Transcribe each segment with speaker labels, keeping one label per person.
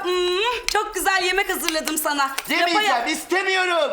Speaker 1: çok güzel yemek hazırladım sana.
Speaker 2: Yemeyeceğim, istemiyorum.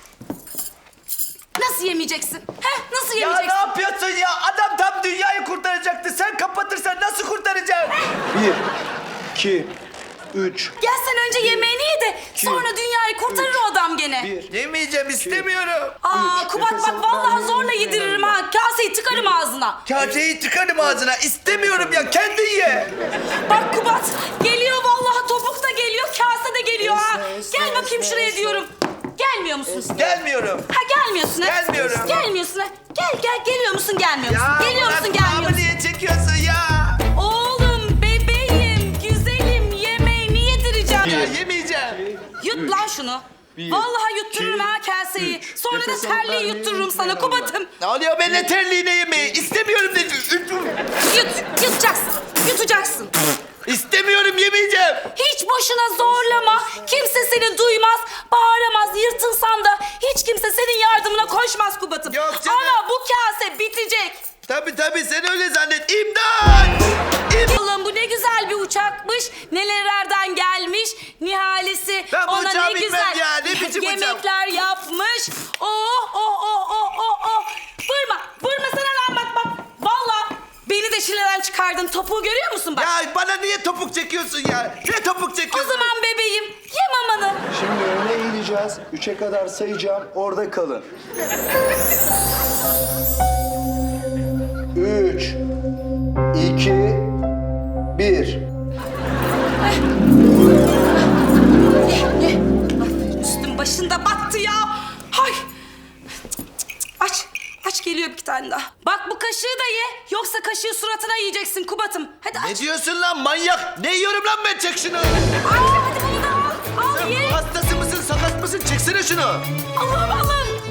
Speaker 1: Nasıl yemeyeceksin? Nasıl
Speaker 2: Ya
Speaker 1: yemeyeceksin?
Speaker 2: ne yapıyorsun ya? Adam tam dünyayı kurtaracaktı. Sen kapatırsan nasıl kurtaracaksın?
Speaker 3: 1, 2, 3,
Speaker 1: Gel sen önce yemeğini ye de sonra dünyayı kurtarır o adam gene.
Speaker 3: 1.
Speaker 2: Yemeyeceğim, istemiyorum.
Speaker 1: Aa Kubat
Speaker 3: nefes
Speaker 1: bak
Speaker 3: alıp
Speaker 1: vallahi
Speaker 3: vermeyi
Speaker 1: zorla yediririm ha. Kaseyi tıkarım ağzına.
Speaker 2: Kaseyi tıkarım ağzına. İstemiyorum ya, kendin ye.
Speaker 1: Bak Kubat geliyor vallahi, topuk da geliyor, kase de geliyor ha.
Speaker 3: Esne,
Speaker 1: Gel bakayım
Speaker 3: esne,
Speaker 1: şuraya
Speaker 3: esne.
Speaker 1: diyorum. Gelmiyor musun?
Speaker 2: Gelmiyorum.
Speaker 1: Ha gelmiyorsun ha?
Speaker 2: Gelmiyorum.
Speaker 1: Gelmiyorsun ha? Gel geliyor musun gelmiyor musun?
Speaker 2: Ya
Speaker 1: Geliyor musun
Speaker 2: bırak,
Speaker 1: gelmiyor
Speaker 2: kulağımı
Speaker 1: musun?
Speaker 2: niye çekiyorsun ya?
Speaker 1: Oğlum bebeğim güzelim yemeğini yedireceğim.
Speaker 2: Ya yemeyeceğim.
Speaker 1: Yut lan şunu. Vallahi yuttururum ha kaseyi. Sonra da
Speaker 3: Nefes alıp
Speaker 1: terliği
Speaker 3: vermeyi
Speaker 1: yuttururum sana
Speaker 3: unutmayın
Speaker 1: Kubat'ım.
Speaker 2: Ne oluyor, ben ne terliğine yemeği? İstemiyorum dedim.
Speaker 1: Yutacaksın. Yutacaksın.
Speaker 2: İstemiyorum, yemeyeceğim.
Speaker 1: Hiç boşuna zorlama. Kimse seni duymaz, bağıramaz, yırtınsan da hiç kimse senin yardımına koşmaz Kubat'ım.
Speaker 2: Yok canım.
Speaker 1: Ama bu kase bitecek.
Speaker 2: Tabii sen öyle zannet. İmdat!
Speaker 1: Allah'ım bu ne güzel bir uçakmış. Nelerden gelmiş. Nihalesi
Speaker 2: Ben bu
Speaker 1: ona
Speaker 2: uçağa
Speaker 1: ne
Speaker 2: binmem
Speaker 1: güzel
Speaker 2: ya, ne biçim uçak?
Speaker 1: yemekler yapmış. Oh. Vurma sana lan bak. Vallahi beni de şileden çıkardın. Topuğu görüyor musun bak?
Speaker 2: Ya bana niye topuk çekiyorsun ya? Ne topuk
Speaker 1: O
Speaker 2: çekiyorsun?
Speaker 1: zaman bebeğim ye mamanı.
Speaker 3: Şimdi öne eğileceğiz. 3'e kadar sayacağım. Orada kalın. 3, 2, 1.
Speaker 1: Ye. Üstüm başında battı ya. Hay. Aç geliyor bir tane daha. Bak bu kaşığı da ye. Yoksa kaşığı suratına yiyeceksin Kubat'ım. Hadi aç.
Speaker 2: Ne diyorsun lan manyak? Ne yiyorum lan ben, çek şunu.
Speaker 1: Hadi bunu da al. Al
Speaker 2: Sen
Speaker 1: ye.
Speaker 2: hastası mısın, sakat mısın? Çeksene şunu.
Speaker 1: Allah'ım.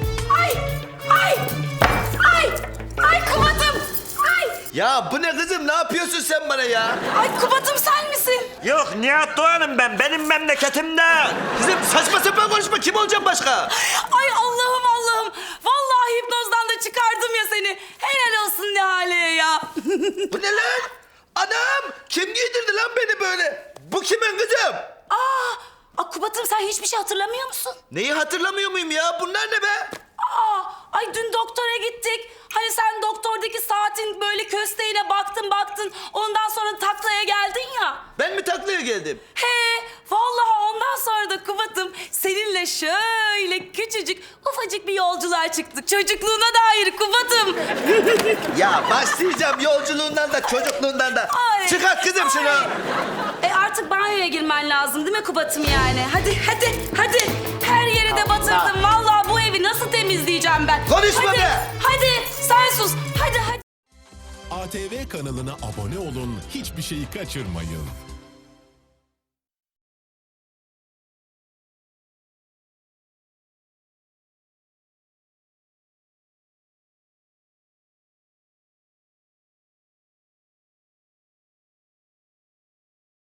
Speaker 1: Ay Kubat'ım. Ay.
Speaker 2: Ya bu ne kızım, ne yapıyorsun sen bana ya?
Speaker 1: Ay Kubat'ım sen misin?
Speaker 2: Yok, Nihat Doğan'ım ben, benim memleketimde. Kızım saçma sapan konuşma, kim olacağım başka?
Speaker 1: Ay Allah'ım. Vallahi hipnozdan da çıkardım ya seni. Helal olsun Nihale'ye ya.
Speaker 2: Bu ne lan? Anam, kim giydirdi lan beni böyle? Bu kimin kızım?
Speaker 1: Kubat'ım sen hiçbir şey hatırlamıyor musun?
Speaker 2: Neyi hatırlamıyor muyum ya? Bunlar ne be?
Speaker 1: Ay dün doktora gittik. Hani sen doktordaki saatin böyle kösteğine baktın. Ondan sonra taklaya geldin ya.
Speaker 2: Ben mi taklaya geldim?
Speaker 1: Vallahi ondan sonra da Kubat'ım seninle şöyle küçücük ufacık bir yolculuğa çıktık. Çocukluğuna dair Kubat'ım.
Speaker 2: Ya başlayacağım yolculuğundan da çocukluğundan da.
Speaker 1: Ay,
Speaker 2: Çıkart kızım şunu.
Speaker 1: Artık banyoya girmen lazım değil mi Kubat'ım yani? Hadi. Her yeri de batırdım. Vallahi bu evi nasıl temizleyeceğim ben?
Speaker 2: Konuşma
Speaker 1: hadi,
Speaker 2: be!
Speaker 1: Hadi sen sus. Hadi.
Speaker 4: ATV kanalına abone olun, hiçbir şeyi kaçırmayın.